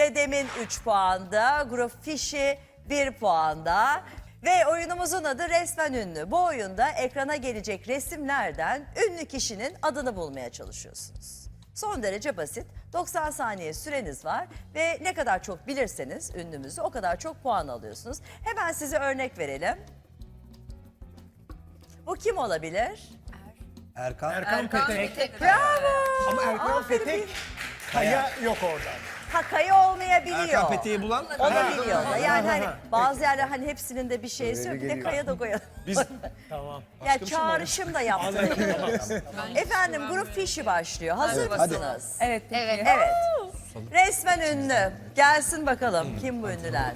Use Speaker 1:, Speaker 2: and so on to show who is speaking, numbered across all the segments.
Speaker 1: Dedem'in 3 puanda, Grup Fişi 1 puanda. Ve oyunumuzun adı Resmen Ünlü. Bu oyunda ekrana gelecek resimlerden ünlü kişinin adını bulmaya çalışıyorsunuz. Son derece basit. 90 saniye süreniz var ve ne kadar çok bilirseniz ünlümüzü o kadar çok puan alıyorsunuz. Hemen size örnek verelim. Bu kim olabilir?
Speaker 2: Erkan Petek.
Speaker 1: Bravo!
Speaker 2: Ama Erkan
Speaker 1: Aferin.
Speaker 2: Petek Kaya yok orada.
Speaker 1: Ha, Kaya olmayabiliyor.
Speaker 3: Erkan Petek'i bulan.
Speaker 1: Olabiliyor da. Yani hani bazı yerler hani hepsinin de bir şeysi yok. Bir de Kaya da koyalım.
Speaker 3: Biz
Speaker 2: Tamam.
Speaker 1: Ya çağrışım da yaptırabiliyoruz. Efendim Grup Fişi başlıyor. Hazır mısınız?
Speaker 4: Evet.
Speaker 1: Evet. Resmen ünlü. Gelsin bakalım kim bu ünlüler?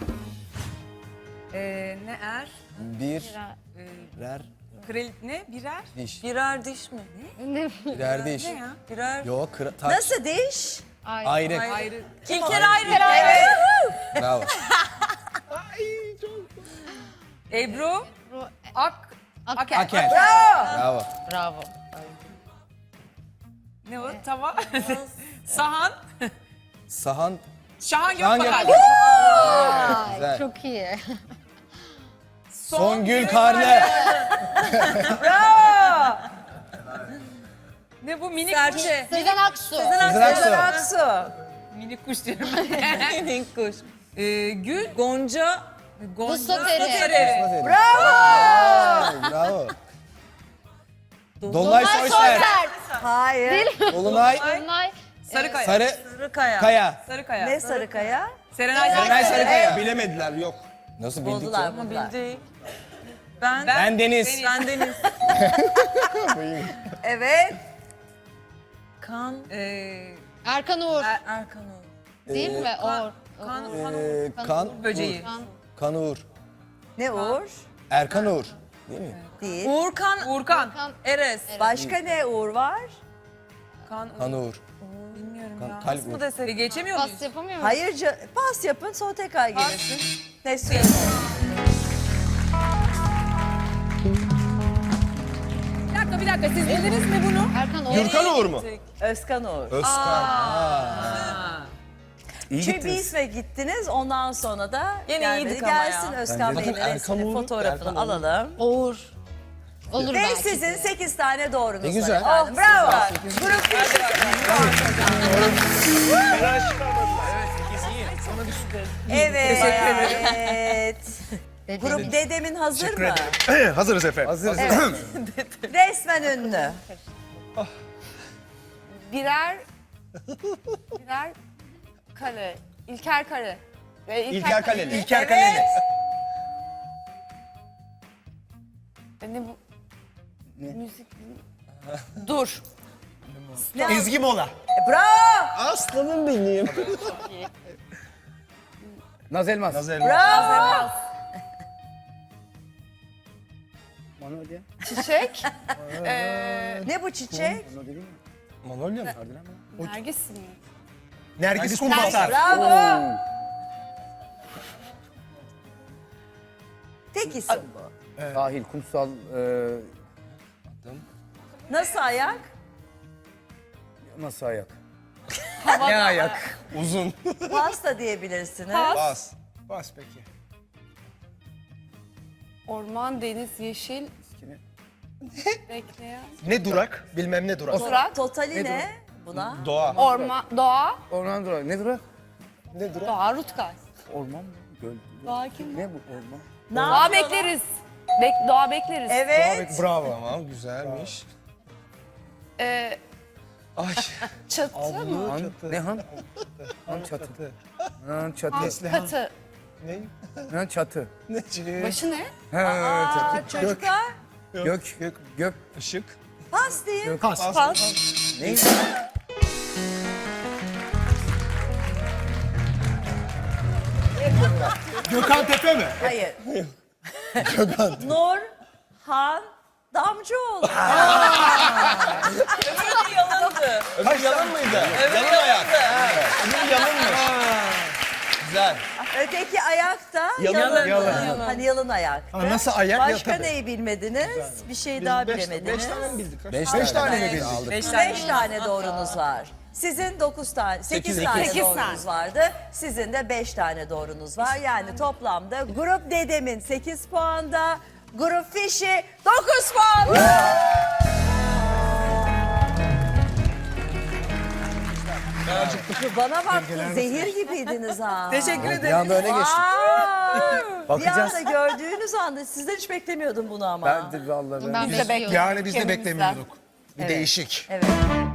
Speaker 4: Ne er?
Speaker 3: Birer
Speaker 4: Krel ne? Birer?
Speaker 3: diş.
Speaker 4: Birer diş mi?
Speaker 3: Birer diş.
Speaker 4: Ne ya? Birer.
Speaker 3: Yok taç.
Speaker 1: Nasıl diş?
Speaker 3: Ayrı.
Speaker 4: Ayrı. İlker ayrı.
Speaker 1: Evet.
Speaker 3: Bravo.
Speaker 4: Ebru. Aker.
Speaker 3: Aker.
Speaker 1: Bravo.
Speaker 3: Bravo.
Speaker 4: Ne o? Tava. Sahan.
Speaker 3: Sahan.
Speaker 4: Şahan
Speaker 3: Şahan
Speaker 4: Gökbakar.
Speaker 3: Güzel.
Speaker 5: Çok iyi.
Speaker 3: Songül Karne.
Speaker 1: Bravo.
Speaker 4: Ne bu? Minik kuş.
Speaker 5: Sezen Aksu.
Speaker 3: Sezen Aksu.
Speaker 1: Aksu.
Speaker 4: Minik kuş diyorum. Minik kuş. Gül. Gonca.
Speaker 5: Vuslateri.
Speaker 3: Bravo. Dolunay Soyser.
Speaker 1: Hayır.
Speaker 3: Dolunay.
Speaker 5: Dolunay.
Speaker 4: Sarıkaya.
Speaker 3: Sarıkaya.
Speaker 4: Sarıkaya.
Speaker 1: Ne Sarıkaya?
Speaker 4: Serenay
Speaker 3: Serenay Sarıkaya.
Speaker 2: Bilemediler yok.
Speaker 3: Nasıl bildik
Speaker 1: Buldular
Speaker 3: ya?
Speaker 1: buldular.
Speaker 4: Ben
Speaker 3: Deniz.
Speaker 4: Ben Deniz.
Speaker 1: Evet.
Speaker 4: Kan.
Speaker 5: Erkan Uğur.
Speaker 4: Erkan Uğur.
Speaker 5: Değil mi? Uğur.
Speaker 3: Kan.
Speaker 4: Böceği.
Speaker 3: Kan Uğur.
Speaker 1: Ne Uğur?
Speaker 3: Erkan Uğur. Değil mi?
Speaker 1: Değil.
Speaker 4: Uğurkan.
Speaker 5: Uğurkan.
Speaker 4: Eres.
Speaker 1: Başka ne Uğur var?
Speaker 3: Kan Uğur.
Speaker 4: Bilmiyorum ya.
Speaker 3: Kalp
Speaker 4: Nasıl
Speaker 3: Uğur.
Speaker 4: mı desek? Geçemiyor muyuz?
Speaker 5: Pas yapamıyor musun?
Speaker 1: Hayır pas yapın sonra tekrar gelirsin. Ne süre?
Speaker 4: Bir dakika. Siz bildiniz mi bunu?
Speaker 5: Erkan Uğur.
Speaker 2: Gürkan Uğur mu?
Speaker 1: Özkan Uğur.
Speaker 3: Özkan. İyi
Speaker 1: Çünkü bir
Speaker 3: gittiniz.
Speaker 1: isme gittiniz ondan sonra da
Speaker 4: Yine
Speaker 1: gelmedi.
Speaker 4: iyiydik ama ya.
Speaker 1: Gelsin Özkan
Speaker 3: Bence
Speaker 1: Bey'in
Speaker 3: de. Erkan
Speaker 1: resmini,
Speaker 3: Uğur,
Speaker 1: fotoğrafını
Speaker 3: Erkan Uğur.
Speaker 1: alalım.
Speaker 5: Uğur. Olur
Speaker 1: Ve
Speaker 5: belki.
Speaker 1: sizin 8 tane doğrunuz
Speaker 3: Ne
Speaker 1: var
Speaker 3: güzel.
Speaker 1: efendim. Bravo. Grup Fişi. Evet. Evet. Grup Dedem'in hazır mı?
Speaker 2: Hazırız efendim.
Speaker 3: Hazırız.
Speaker 1: Resmen ünlü.
Speaker 6: Birer kare. İlker kare. Ve
Speaker 2: İlker Kaleli.
Speaker 3: İlker Kaleli.
Speaker 6: Ne bu? Müzik. Dur.
Speaker 2: Ezgi Mola.
Speaker 1: Bravo.
Speaker 3: Aslanım benim. Naz Elmas.
Speaker 1: Bravo.
Speaker 6: Çiçek.
Speaker 1: Ne bu çiçek?
Speaker 3: Manolya mı?
Speaker 6: Nergis mi?
Speaker 2: Nergis Kumbasar.
Speaker 1: Bravo. Tek isim bu.
Speaker 7: Sahil, kumsal,
Speaker 1: Nasıl ayak?
Speaker 7: nasıl ayak?
Speaker 3: Ne ayak? Uzun.
Speaker 1: Pasta diyebilirsiniz.
Speaker 2: Bas. Bas peki.
Speaker 6: Orman, deniz, yeşil. Bekleyen.
Speaker 2: Ne durak? Bilmem ne durak.
Speaker 6: Durak.
Speaker 1: Totali ne buna?
Speaker 2: Doğa.
Speaker 6: Orman, doğa.
Speaker 7: Orman durak. Ne durak?
Speaker 6: Doğa Rutkay.
Speaker 7: Orman mı? Göl.
Speaker 6: Doğa kim?
Speaker 7: Ne bu orman?
Speaker 1: Ne
Speaker 6: Doğa
Speaker 1: yapıyorlar?
Speaker 6: bekleriz. Doğa bekleriz.
Speaker 1: Evet.
Speaker 2: Bravo.
Speaker 3: Tamam güzelmiş.
Speaker 2: Ay.
Speaker 6: Çatı mı?
Speaker 7: Han, ne han? Han çatı. Han çatı.
Speaker 6: Katı.
Speaker 2: Ne?
Speaker 7: Han çatı.
Speaker 6: Başı ne?
Speaker 7: Ha,
Speaker 1: Aa, çocuklar
Speaker 7: gök. Gök.
Speaker 2: Işık.
Speaker 1: pas deyin.
Speaker 2: Pas.
Speaker 7: Ne?
Speaker 2: Gökhan Tepe mi?
Speaker 1: Hayır. Nur Han Damcıoğlu.
Speaker 3: Öbür yalan mıydı? Yalan ayak. Öbür yalan mı? Güzel.
Speaker 1: Öteki ayakta
Speaker 3: Yalın.
Speaker 2: Yalın.
Speaker 1: Hani yalın ayaktı.
Speaker 2: Ha, nasıl ayak?
Speaker 1: Başka
Speaker 2: Ya, tabii.
Speaker 1: neyi bilmediniz? Bir şey daha bilemediniz.
Speaker 2: 5 tane mi bildik?
Speaker 3: Beş
Speaker 2: 5 tane mi
Speaker 3: tane
Speaker 2: bildik?
Speaker 3: aldık.
Speaker 4: 5
Speaker 1: 5 tane doğrunuz var. Sizin 9 tane, 8 tane
Speaker 6: Sekiz
Speaker 1: doğrunuz
Speaker 6: tane.
Speaker 1: vardı. Sizin de 5 tane doğrunuz var. Yani toplamda Grup Dedem'in 8 puanda, Grup Fişi 9 puan. Bana baktın, zehir gibiydiniz ha.
Speaker 4: Teşekkür
Speaker 7: Bir
Speaker 4: ederim.
Speaker 7: anda öne geçtik.
Speaker 1: Bir
Speaker 7: Bakacağız.
Speaker 1: anda gördüğünüz anda sizden hiç beklemiyordum bunu ama.
Speaker 7: Ben de vallahi
Speaker 5: Ben
Speaker 6: Biz de
Speaker 5: bekliyorum.
Speaker 2: Yani biz de
Speaker 6: Kendimizden.
Speaker 2: beklemiyorduk. Bir değişik.
Speaker 1: Evet.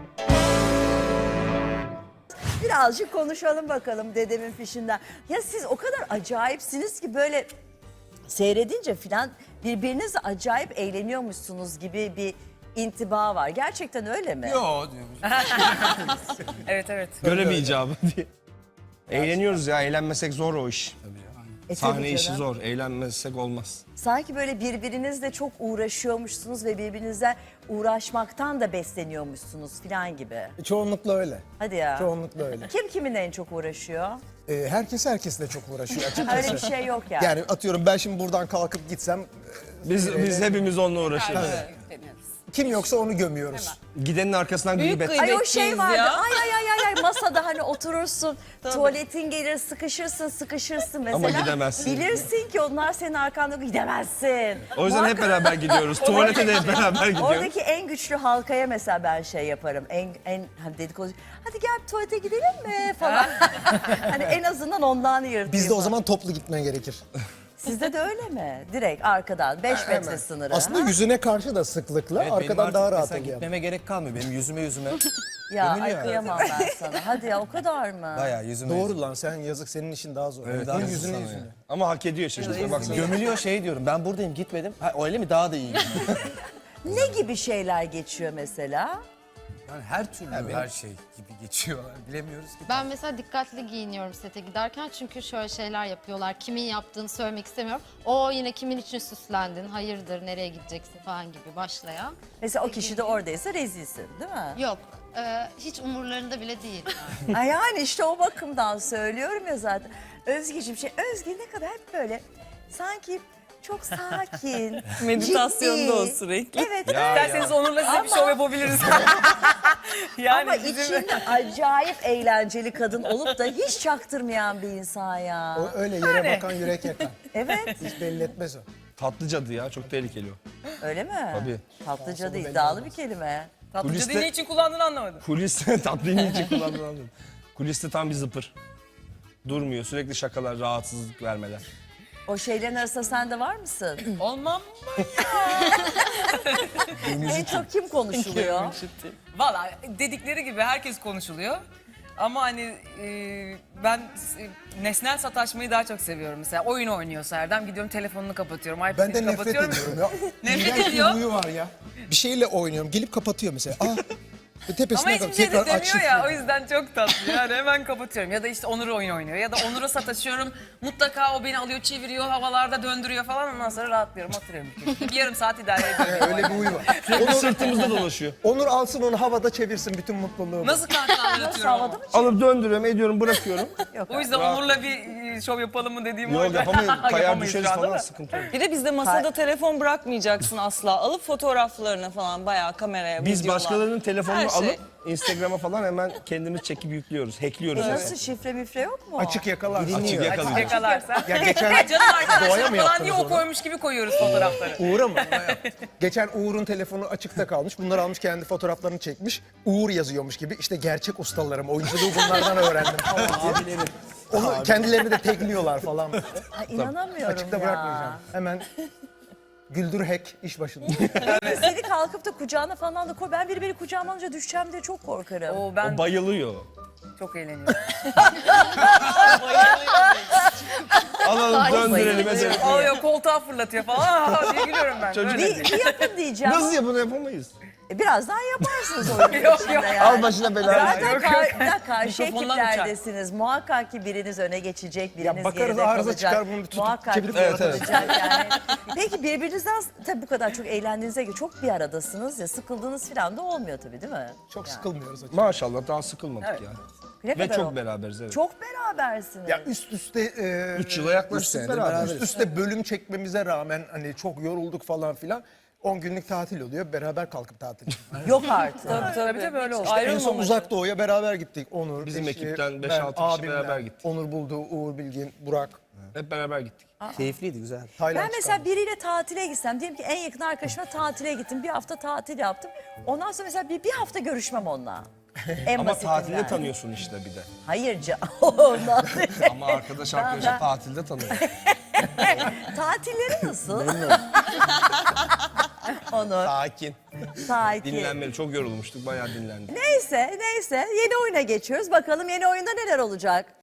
Speaker 1: Birazcık konuşalım bakalım dedemin fişinden. Ya siz o kadar acayipsiniz ki böyle seyredince filan birbirinizle acayip eğleniyormuşsunuz gibi bir intiba var. Gerçekten öyle mi?
Speaker 3: Yo.
Speaker 4: Evet evet.
Speaker 3: Görev icabı diye. Eğleniyoruz ya. Eğlenmesek zor o iş.
Speaker 1: E,
Speaker 3: Sahne
Speaker 1: tabii
Speaker 3: işi
Speaker 1: canım.
Speaker 3: zor. Eğlenmesek olmaz.
Speaker 1: Sanki böyle birbirinizle çok uğraşıyormuşsunuz ve birbirinizle uğraşmaktan da besleniyormuşsunuz filan gibi.
Speaker 2: Çoğunlukla öyle.
Speaker 1: Hadi ya.
Speaker 2: Çoğunlukla öyle.
Speaker 1: Kim kiminle en çok uğraşıyor?
Speaker 2: Herkes herkesle çok uğraşıyor açıkçası.
Speaker 1: Öyle bir şey yok yani.
Speaker 2: Yani atıyorum ben şimdi buradan kalkıp gitsem
Speaker 3: Biz hepimiz onunla uğraşıyoruz.
Speaker 2: kim yoksa onu gömüyoruz.
Speaker 3: Gidenin arkasından
Speaker 4: Büyük
Speaker 3: gıybet.
Speaker 4: kıymet.
Speaker 1: Ay o şey
Speaker 4: Bekliyiz
Speaker 1: vardı.
Speaker 4: ya.
Speaker 1: Ay masada hani oturursun. Tuvaletin gelir sıkışırsın mesela.
Speaker 3: Ama gidemezsin.
Speaker 1: Bilirsin ki onlar senin arkanda gidemezsin.
Speaker 3: O yüzden hep beraber gidiyoruz. Tuvalete de hep beraber gidiyoruz.
Speaker 1: Oradaki en güçlü halkaya mesela ben şey yaparım. En hani dedikodu. Hadi gel bir tuvalete gidelim mi falan. Hani en azından ondan yırtayım.
Speaker 2: Bizde o zaman toplu gitmen gerekir.
Speaker 1: Sizde de öyle mi? Direkt arkadan 5 metre sınırı.
Speaker 2: Aslında yüzüne karşı da sıklıkla arkadan daha rahat oluyor.
Speaker 7: Gitmeme gerek kalmıyor. Benim yüzüme
Speaker 1: Ya ay
Speaker 7: gömülüyor.
Speaker 1: kıyamam ben sana. Hadi ya o kadar mı?
Speaker 7: bayağı yüzüme.
Speaker 2: Doğru lan sen yazık senin işin daha zor.
Speaker 7: Evet,
Speaker 2: Onun
Speaker 7: yazık
Speaker 2: yüzüne
Speaker 7: sana
Speaker 2: yüzüne.
Speaker 7: ya.
Speaker 3: Ama hak ediyor işte. Şuna baksana.
Speaker 7: Gömülüyor şey diyorum. Ben buradayım gitmedim. Ha, öyle mi? Daha da iyi.
Speaker 1: Ne gibi şeyler geçiyor mesela?
Speaker 7: Yani her türlü her şey gibi geçiyorlar. Bilemiyoruz ki.
Speaker 5: Ben mesela dikkatli giyiniyorum sete giderken çünkü şöyle şeyler yapıyorlar. Kimin yaptığını söylemek istemiyorum. O yine kimin için süslendin, hayırdır, nereye gideceksin falan gibi başlayan.
Speaker 1: Mesela o kişi de oradaysa rezilsin değil mi?
Speaker 5: Yok, hiç umurlarında bile değil.
Speaker 1: Ay yani işte o bakımdan söylüyorum ya zaten. Özgeciğim Özge ne kadar hep böyle sanki çok sakin,
Speaker 4: Meditasyonda
Speaker 1: ciddi.
Speaker 4: o sürekli.
Speaker 1: Evet.
Speaker 4: İsterseniz Onur'la size bir şov yapabiliriz. Yani
Speaker 1: Ama içinde acayip eğlenceli kadın olup da hiç çaktırmayan bir insan ya.
Speaker 2: O öyle yere bakan yürek yakan.
Speaker 1: Evet.
Speaker 2: Hiç belli etmez o.
Speaker 3: Tatlı cadı ya. Çok tehlikeli o.
Speaker 1: Öyle mi?
Speaker 3: Tabii.
Speaker 1: Tatlıca da iddialı bir kelime.
Speaker 4: tatlıcı
Speaker 3: Kuliste-
Speaker 4: ne için kullandığını anlamadım.
Speaker 3: Kuliste tatlıyı için kullandığını anladım. Kuliste tam bir zıpır. Durmuyor. Sürekli şakalar, rahatsızlık vermeler.
Speaker 1: O şeylerin arasında sen de var mısın?
Speaker 4: Olmam.
Speaker 1: En çok kim konuşuluyor?
Speaker 4: Valla dedikleri gibi herkes konuşuluyor. Ama hani ben nesnel sataşmayı daha çok seviyorum. Mesela oyun oynuyorsa Erdem gidiyorum telefonunu kapatıyorum.
Speaker 2: Ben
Speaker 4: iPad'ini
Speaker 2: de nefret
Speaker 4: kapatıyorum.
Speaker 2: ediyorum ya.
Speaker 4: Nefret
Speaker 2: İğrenç bir
Speaker 4: ediyor.
Speaker 2: huyu var ya. Bir şeyle oynuyorum. Gelip kapatıyor mesela.
Speaker 4: Ama
Speaker 2: Tepesine
Speaker 4: hiçbir
Speaker 2: kadar
Speaker 4: şey de
Speaker 2: tekrar
Speaker 4: demiyor
Speaker 2: açıp.
Speaker 4: ya o yüzden çok tatlı yani hemen kapatıyorum ya da işte Onur oyun oynuyor ya da Onur'a sataşıyorum mutlaka o beni alıyor çeviriyor havalarda döndürüyor falan ondan sonra rahatlıyorum oturuyorum bir yarım saat idare ediyorum.
Speaker 2: Öyle bir huyu var.
Speaker 3: Sürekli sırtımızda dolaşıyor.
Speaker 2: Onur alsın onu havada çevirsin bütün mutluluğu.
Speaker 4: Nasıl kahkahalar
Speaker 1: Nasıl
Speaker 4: atıyorum
Speaker 1: havada mı?
Speaker 3: Alıp döndürüyorum, ediyorum, bırakıyorum.
Speaker 4: o yüzden Onur'la bir şov yapalım mı dediğim
Speaker 3: Yok
Speaker 4: oydu.
Speaker 3: yapamayız. Kayar
Speaker 4: Yapamayız
Speaker 3: düşeriz
Speaker 4: şu anda
Speaker 3: falan
Speaker 4: da.
Speaker 3: sıkıntı olur.
Speaker 8: Bir de bizde masada telefon bırakmayacaksın asla. Alıp fotoğraflarını falan bayağı kameraya,
Speaker 3: Biz
Speaker 8: videolar.
Speaker 3: başkalarının telefonunu
Speaker 8: Her şey.
Speaker 3: alıp Instagram'a falan hemen kendimiz çekip yüklüyoruz. Hackliyoruz.
Speaker 1: Nasıl şifre mifre yok mu?
Speaker 2: Açık yakalar.
Speaker 3: Açık yakalayacağız.
Speaker 4: Yakalarsa.
Speaker 2: Ya geçen
Speaker 4: Canım
Speaker 2: Doğaya
Speaker 4: arkadaşlar
Speaker 2: mı
Speaker 4: falan diye
Speaker 2: yaptınız
Speaker 4: o
Speaker 2: onu?
Speaker 4: koymuş gibi koyuyoruz fotoğrafları.
Speaker 2: Uğur'a mı? Geçen Uğur'un telefonu açıkta kalmış. Bunları almış kendi fotoğraflarını çekmiş. Uğur yazıyormuş gibi. İşte gerçek ustalarım. Oyunculuğu bunlardan öğrendim falan diye. Onu kendilerini de tekliyorlar falan.
Speaker 1: Ay, inanamıyorum
Speaker 2: Açıkta
Speaker 1: ya.
Speaker 2: bırakmayacağım. Hemen güldür hack iş başında.
Speaker 1: Seni kalkıp da kucağına falan da koy. Ben beni kucağıma alınca düşeceğim diye çok korkarım.
Speaker 4: Oo, ben
Speaker 3: O bayılıyor.
Speaker 4: çok eğleniyorum.
Speaker 3: Alalım döndürelim edelim.
Speaker 4: Alıyor koltuğa fırlatıyor falan Aa, diye gülüyorum ben.
Speaker 3: Çocuk-
Speaker 4: Böyle.
Speaker 1: Bir yapın diyeceğim.
Speaker 3: Nasıl ya bunu yapamayız?
Speaker 1: Birazdan yaparsınız oyunun
Speaker 4: Yok,
Speaker 1: içinde
Speaker 4: yok.
Speaker 1: yani.
Speaker 3: Al başına belayı.
Speaker 1: Zaten karşı
Speaker 4: Mikrofonlar
Speaker 1: ekiplerdesiniz. Muhakkak ki biriniz öne geçecek, biriniz
Speaker 2: bakarız
Speaker 1: geride
Speaker 2: arıza
Speaker 1: kalacak.
Speaker 2: çıkar, bunu tutup
Speaker 1: Muhakkak
Speaker 2: çevirip
Speaker 1: ki
Speaker 3: Evet, evet.
Speaker 1: olacak yani. Peki birbirinizden tabii bu kadar çok eğlendiğinize göre çok bir aradasınız ya. Sıkıldığınız falan da olmuyor tabii değil mi?
Speaker 2: Çok sıkılmıyoruz açıkçası.
Speaker 3: Maşallah daha sıkılmadık ya.
Speaker 1: Ne
Speaker 3: Ve
Speaker 1: kadar
Speaker 3: çok
Speaker 1: o-
Speaker 3: beraberiz evet.
Speaker 1: Çok berabersiniz.
Speaker 2: Ya üst üste
Speaker 3: 3 yıla yaklaştık
Speaker 7: senedir
Speaker 3: beraber.
Speaker 7: beraberiz.
Speaker 2: üst üste bölüm çekmemize rağmen hani çok yorulduk falan filan. 10 günlük tatil oluyor. Beraber kalkıp tatil.
Speaker 1: Yok artık.
Speaker 4: Tabii böyle oldu.
Speaker 2: En son Uzak Doğu'ya beraber gittik. Onur,
Speaker 3: Bizim
Speaker 2: eşi,
Speaker 3: ekipten
Speaker 2: ben,
Speaker 3: 5-6 kişi
Speaker 2: abimler,
Speaker 3: beraber gittik.
Speaker 2: Onur Buldu, Uğur Bilgin, Burak.
Speaker 3: Hep beraber gittik.
Speaker 7: Keyifliydi, güzel.
Speaker 2: Tayland
Speaker 1: Ben mesela biriyle tatile gitsem, diyelim ki en yakın arkadaşıma tatile gittim. Bir hafta tatil yaptım. Ondan sonra mesela bir hafta görüşmem onunla. En
Speaker 3: Ama
Speaker 1: basitinden.
Speaker 3: tatilde tanıyorsun işte bir de.
Speaker 1: Hayır canım. Ondan değil.
Speaker 3: Ama arkadaş arkadaşa tatilde tanıyor.
Speaker 1: Tatilleri nasıl? Onur,
Speaker 3: Sakin.
Speaker 1: sakin.
Speaker 3: Dinlenmeli. Çok yorulmuştuk. Bayağı dinlendik.
Speaker 1: Neyse yeni oyuna geçiyoruz. Bakalım yeni oyunda neler olacak?